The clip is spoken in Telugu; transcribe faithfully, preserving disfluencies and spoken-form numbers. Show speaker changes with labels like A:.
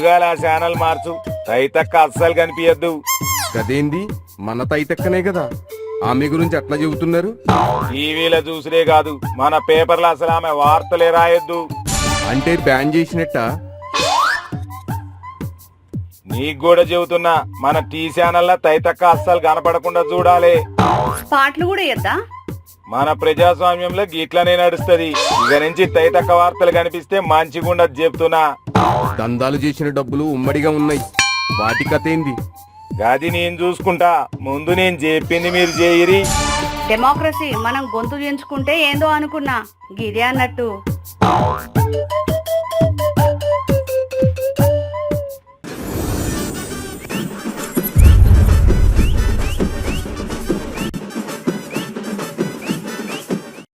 A: పొద్దుగాల ఆ ఛానల్ మార్చు, తైతక్క అస్సలు కనిపించద్దు.
B: గదేంది, మన తైతక్కనే కదా, ఆమె గురించి అట్లా చెబుతున్నారు.
A: టీవీలో చూసుడే కాదు, మన పేపర్లో అసలు ఆమె వార్తలే రాయొద్దు.
B: అంటే బ్యాన్ చేసినట్ట?
A: నీకు కూడా చెబుతున్నా, మన టీ ఛానల్ తైతక్క అస్సలు కనపడకుండా చూడాలి.
C: పాటలు కూడా ఇద్దా?
A: మన ప్రజాస్వామ్యంలో గిట్లనే నడుస్తది. ఇక నుంచి తైతక్క వార్తలు కనిపిస్తే మంచిగుండదు చెప్తున్నా.
B: దందాలు చేసిన డబ్బులు ఉమ్మడిగా ఉన్నాయి, వాటి కథ ఏంది?
A: గది నేను చూసుకుంటా, ముందు నేను చెప్పింది మీరు చేయరి.
C: డెమోక్రసీ మనం గొంతు దించుకుంటే ఏందో అనుకున్నా, గిదే అన్నట్టు.